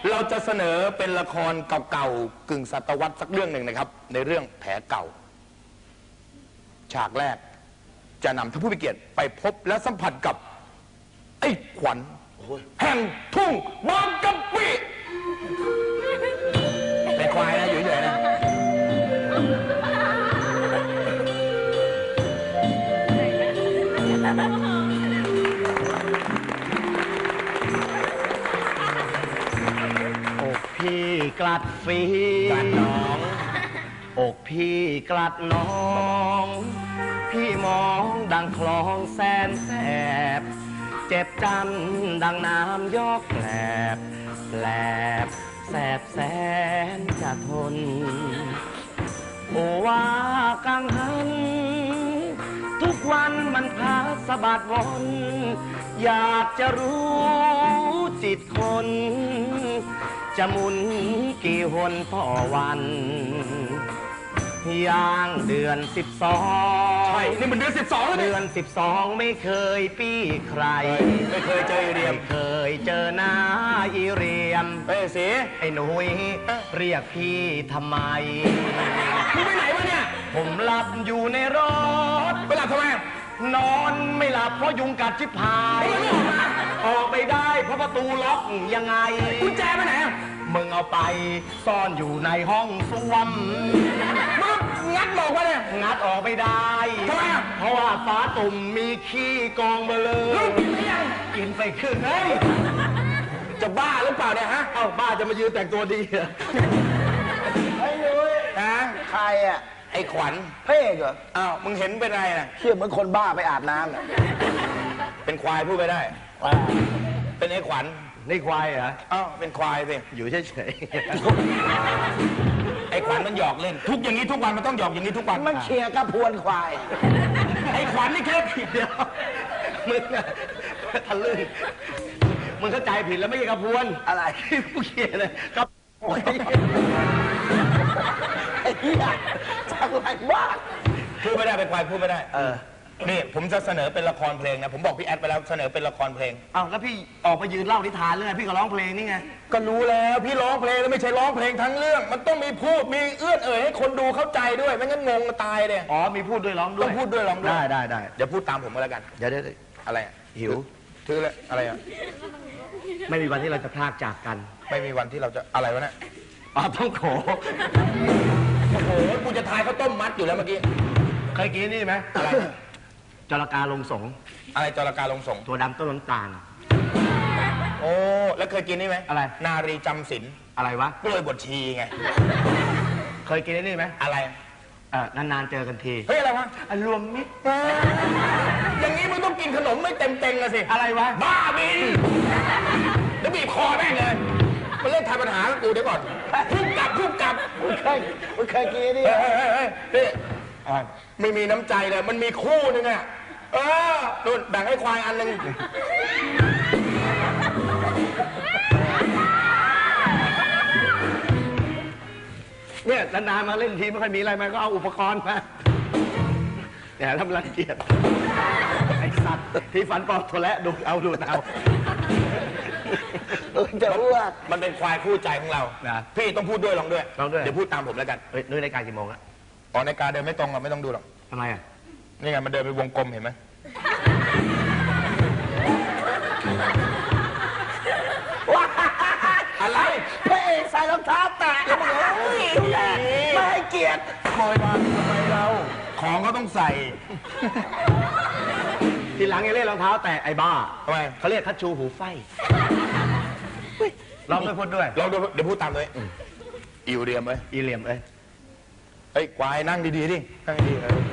เราจะเสนอเป็นละครเก่าๆกึ่งศตวรรษสักเรื่องหนึ่งนะครับในเรื่องแผลเก่าฉากแรกจะนำท่านผู้มีเกียรติไปพบและสัมผัสกับไอ้ขวัญแห่งทุ่งบางกะปิเป็นควายนะอยู่เฉยๆนะอกพี่กลัดฝีกลัดน้องอกพี่กลัดน้องพี่มองดังคลองแสนแสบเจ็บจันดังน้ำยอกแกลบแสบแสบแสนจะทนโอว่ากังหันทุกวันมันพาสะบัดวนอยากจะรู้จิตคนจะหมุนกี่หนต่อวันย่างเดือน12ใช่นี่มันเดือน12แล้วเดือน12ไม่เคยปี้ใครไม่เคยเจออีเรียมไม่เคยเจอหน้าอีเรียมสิไอ้หนุ่ยเรียกพี่ทำไมมึงไปไหนวะเนี่ยผมหลับอยู่ในรถไปหลับทำไมนอนไม่หลับเพราะยุงกัดชิบหายออกไปได้เพราะประตูล็อกยังไงกุญแจไปไหนมึงเอาไปซ่อนอยู่ในห้องส้วมมึงงัดหลอกวะเนี่ยงัดออกไม่ได้ทำไมเพราะว่าฟ้าตุ่มมีขี้กองมาเลยกินไม่ยังกินไปครึ่งเฮ้ยจะบ้าหรือเปล่าเนี่ยฮะเอ้าบ้าจะมายืนแต่งตัวดีเหรอไอ้นุ้ยนะใครอ่ะไอ้ขวัญเพ่เหรออ้าวมึงเห็นเป็นไรน่ะเชี่ยเหมือนคนบ้าไปอาบน้ำน่ะเป็นควายพูดไปได้เป็นไอ้ขวัญนี่ควายเหรออ้าวเป็นควายสิอยู่เฉยๆไอ้ขวัญมันหยอกเล่นทุกอย่างนี้ทุกวันมันต้องหยอกอย่างนี้ทุกวันมันเชียร์กระพวนควายไอ้ขวัญนี่แค่ผิดเดียวมึงอะทะลึ่งมึงเข้าใจผิดแล้วไม่ใช่กระพวนอะไรผู้เขียนเลยกระพวนไอ้เหี้ยจังไรบ้าพูดไม่ได้เป็นควายพูดไม่ได้นี่ผมจะเสนอเป็นละครเพลงนะผมบอกพี่แอดไปแล้วเสนอเป็นละครเพลงอ้าวแล้วพี่ออกไปยืนเล่านิทานเรื่องพี่ก็ร้องเพลงนี่ไงก็รู้แล้วพี่ร้องเพลงแล้วไม่ใช่ร้องเพลงทั้งเรื่องมันต้องมีพูดมีเอื้อนเอ่ยให้คนดูเข้าใจด้วยไม่งั้นงงตายเลยอ๋อมีพูดด้วยร้องด้วยต้องพูดด้วยร้องด้วยได้เดี๋ยวพูดตามผมก็แล้วกันเดี๋ยวอะไรหิวถือเลยอะไรอ่ะไม่มีวันที่เราจะพลากจากกันไม่มีวันที่เราจะอะไรวะเนี่ยต้องโขโอ้โหกูจะทายข้าวต้มมัดอยู่แล้วเมื่อกี้เคยกินนี่ไหมอะไรจระกาลงสงอะไรจระกาลงสงตัวดำต้นน้ำตาลโอ้แล้วเคยกินนี่ไหมอะไรนารีจำศีลอะไรวะกล้วยบดชีไงเคยกินนี่ไหมอะไรนานๆเจอกันทีเฮ้ยอะไรวะรวมมิตรอย่างนี้มึงต้องกินขนมไม่เต็มๆเลยสิอะไรวะบ้าบินแล้วบีบคอแม่งเลยมันเล่นทายปัญหากูเดี๋ยวก่อนพุ่งกลับมึงเคยกินนี่ไม่มีน้ำใจเลยมันมีคู่นึงอ่ะนู่นแบ่งให้ควายอันนึงเนี่ยนานๆมาเล่นทีไม่ค่อยมีอะไรมาก็เอาอุปกรณ์มาเนี่ยทำรังเกียจไอ้สัตว์ที่ฝันปอกโถและดูเอาจะรู้ว่ามันเป็นควายคู่ใจของเราพี่ต้องพูดด้วยลองด้วยเดี๋ยวพูดตามผมแล้วกันนุ้ยรายการกี่โมงอะรายการเดินไม่ตรงหรอกไม่ต้องดูหรอกทำไมอ่ะนี่ไงมันเดินไปวงกลมเห็นไหมอะไรพระเอกใส่รองเท้าแตะไม่ให้เกียรติคอยมาทำไมเราของก็ต้องใส่ทีหลังอย่าเล่นรองเท้าแตะไอ้บ้าทำไมเขาเรียกคัชชูหูไฟลองไปพูดด้วยลองดูเดี๋ยวพูดตามเลยอีเรียมเอ้ยเฮ้ยควายนั่งดีๆดินั่งดี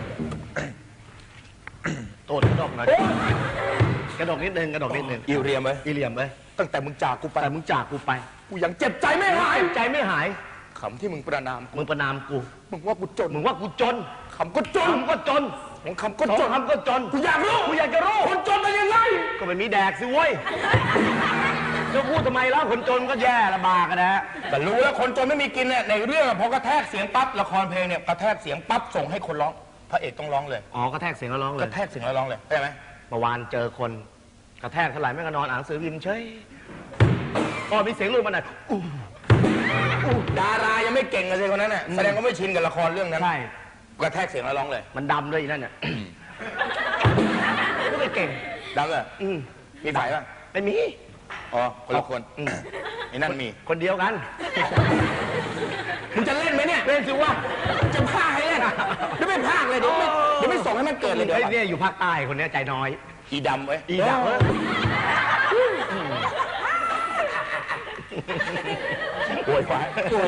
โตดกระดกหน่อยกระดกนิดนึงอีเรียมเอ้ยตั้งแต่มึงจากกูไปกูยังเจ็บใจไม่หายคำที่มึงประนามกูมึงว่ากูจนคำก็จนคำก็จนกูอยากจะรู้คนจนเป็นยังไงก็ไม่มีแดกสิเว้ยจะพูดทำไมแล้วคนจนก็แย่ลำบากกันนะแต่รู้แล้วคนจนไม่มีกินเนี่ยในเรื่องพอกระแทกเสียงปั๊บละครเพลงเนี่ยกระแทกเสียงปั๊บส่งให้คนร้องพระเอกต้องร้องเลยกระแทกเสียงแล้วร้องเลยกระแทกเสียงแล้วร้องเลยใช่ไหมเมื่อวานเจอคนกระแทกเท่าไหร่ไม่ก็นอนอ่านหนังสือพิมพ์เฉยพอมีเสียงหลุดมาหน่อยดารายังไม่เก่งเลยคนนั้นน่ะแสดงว่าไม่ชินกับละครเรื่องนั้นใช่กระแทกเสียงแล้วร้องเลยมันดำด้วยอีนั่นเนี่ยไม่เก่งดังเลยมีฝ่ายป่ะไม่มีอ๋อคนละคนไอ้นั่นมีคนเดียวกันมึงจะเล่นไหมเนี่ยเล่นสิวะจะพากให้เล่นเดี๋ยวไม่พากเลยเดี๋ยวไม่ส่งให้มันเกิดเลยเดี๋ยวไอ้เนี่ยอยู่ภาคใต้คนเนี้ยใจน้อยอีดำเว้ยอีดำเว้ยโวยควาย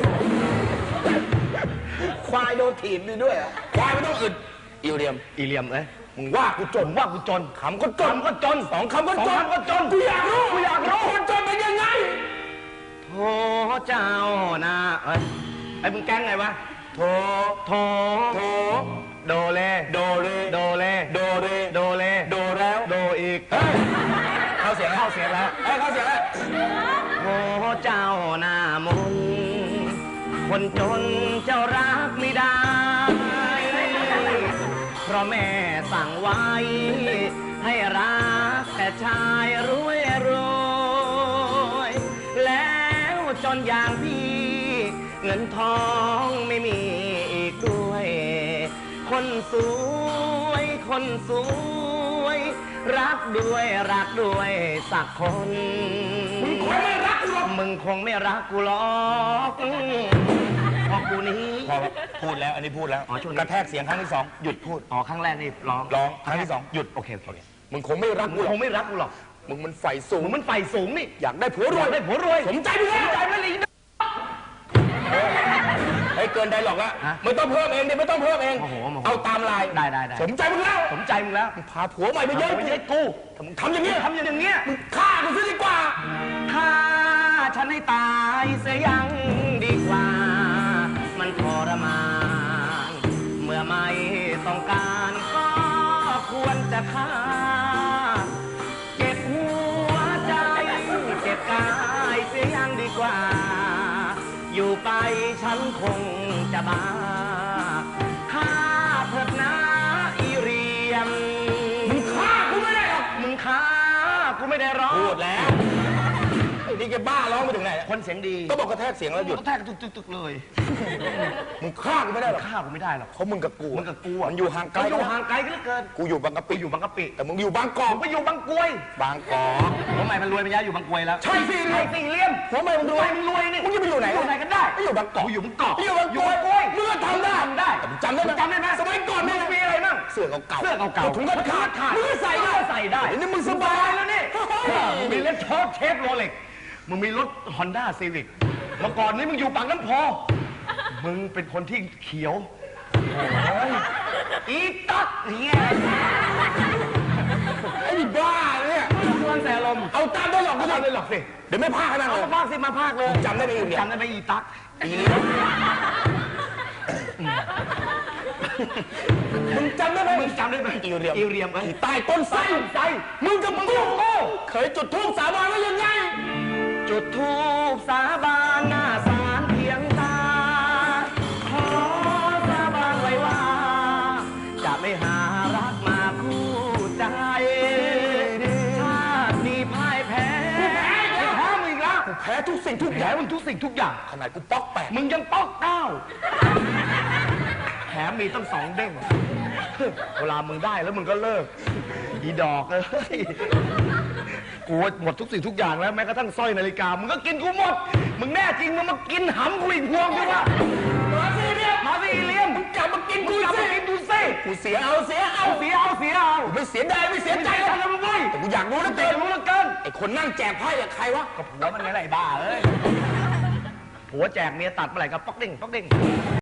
ควายโดนถีบด้วยอ่ะควายไม่ต้องอึดอีเรียมอีเหลี่ยมเอ้ยมึงว่ากูจนว่ากูจนขำก็จนคำก็จนสองคำก็จนสองคำก็จนกูอยากรู้คนจนเป็นยังไงโธ่เจ้านาเอ้ยไอ้มึงแกล้งไงวะโถโธโถโดเลโดเรโดเลโดเรโดเลโดแล้วโดอีกเฮ้ยเข้าเสียงแล้วเข้าเสียงแล้วเฮ้ยเข้าเสียงแล้วโอ้เจ้าหน้ามนต์คนจนเจ้ารักไม่ได้ เพราะแม่สั่งไว้ ให้รักแต่ชายรวยรวยแล้วจนอย่างพี่ เงินทองไม่มีอีกด้วย คนสวยคนสวย รักด้วยสักคนมึงคงไม่รักกูหรอกมึงคงไม่รักกูหรอกเพราะกูนี้พอพูดแล้วอันนี้พูดแล้วอ๋อช่วงนี้กระแทกเสียงครั้งที่สองหยุดพูดอ๋อครั้งแรกนี่ร้องครั้งที่สองหยุดโอเคโอเคมึงคงไม่รักมึกูงหรคอกงไม่รักกูหรอกมึงมันไฟสูงมึงมันไฟสูงนี่อยากได้ผัวรอวยยากได้ผัวรวยสมใจมึงแล้วใจมันเลยเฮ้ยเกินไดหรอกละฮะไม่ต้องเพิ่มเองดิไม่ต้องเพิ่มเองโอ้โหเอาตามลายได้สมใจมึงแล้วสมใจมึงแล้วพาผัวใหม่ไปเยอะไม่ใช่กูมึงทำอย่างนี้ทำอย่างเงี้ยมึงฆ่ากูซะดีกว่าฆ่าฉันให้ตายเสียยังดีกว่า มันทรมานเมื่อไม่ต้องการก็ควรจะฆ่า เจ็บหัวใจ เจ็บกายเสียยังดีกว่า อยู่ไปฉันคงจะบ้าฆ่าเถิดนะอีเรียมมึงฆ่ากูไม่ได้หรอกมึงฆ่ากูไม่ได้ร้องพูดแล้วไอ้นี่แกบ้าร้องไปถึงไหนคนเสียงดีก็บอกกระแทกเสียงแล้วหยุดก็แทกตึกๆเลยมึงฆ่ากูไม่ได้หรอกฆ่ากูไม่ได้หรอกเพราะมึงกับกูมึงกับกูอ่ะมันอยู่ห่างไกลมันอยู่ห่างไกลกันเหลือเกินกูอยู่บางกะปิกูอยู่บางกะปิแต่มึงอยู่บางกอกผมไปอยู่บางกรวยบางกอกทำไมมันรวยไปย้ายอยู่บางกรวยแล้วใช่สิใช่สิเลี่ยมทำไมมึงรวยมึงรวยนี่มึงจะไปอยู่ไหนอยู่ไหนกันได้ไม่อยู่บางกอกกูอยู่บางกอกอยู่บางกอยู่อกบางกรวยมึงก็ทำได้ทำได้แต่มึงจำได้ไหมจำได้ไหมสมัยก่อนมึงมีอะไรบ้างเสื้อเก่าๆเสื้อเก่าๆถุงกันขาดขาดมึงก็ใส่ได้ใส่ได้เดี๋ยวนี้มึงสบายแล้วนี่มึงมีรถเชฟโรเล็กมึงมีรถฮอนด้าซีวิกเมื่อก่อนนี้มึงอยู่ปากน้ำโพมึงเป็นคนที่เขียวโอ้ยอีตั๊กเนี่ยไอ้นี่บ้าเนี่ยเมืองแต่ลมณ์เอาตามได้หรอกกูเอาเลยหรอกสิเดี๋ยวไม่พาขนาดเอานั้นมาพากสิมาพากเลยจำได้ไหมอีเนี่ยจำได้ไหมอีตั๊กอีนี่มึงจำได้ไหมมึงจำได้ไหมอีเรียมอีเรียมอีใต้ต้นไทรใจมึงกับกูเคยจุดธูปสาบานไว้ยังไงจุดธูปสาบานหน้าศาลเพียงตา ขอสาบานไว้ว่า จะไม่หารักมาคู่ใจชาตินี้พ่ายแพ้แพ้มึงอีกแล้วกูแพ้ทุกสิ่งทุกอแพ้ย่างมึงทุกสิ่งทุกอย่างขนาดกูป๊อกแปดมึงยังป๊อกเก้าแถมมีตั้ง2 เด้ง เวลามึงได้แล้วมึงก็เลิก อีดอกเอ้ย กูหมดทุกสิ่งทุกอย่างแล้วแม้กระทั่งสร้อยนาฬิกา มึงก็กินกูหมด มึงแน่จริงมึงมากินหำกูอีกพวงใช่ปะมาสิเนี่ยมาสิอีเลียมมึงกลับมากินกูกลับสิมากินกูสิกูเสียเอาเสียเอาเอาเสียเอาเสียเอาไม่เสียดายไม่เสียใจใจกันมึงเว้ยแต่กูอยากรู้นะเตเต้รู้แล้วเกินไอ้คนนั่งแจกไพ่อะใครวะก็ผัวมันไงไรบ้าเอ้ยผัวแจกเมียตัดเมื่อไหร่ก็ป๊อกเด้งป๊อกเด้ง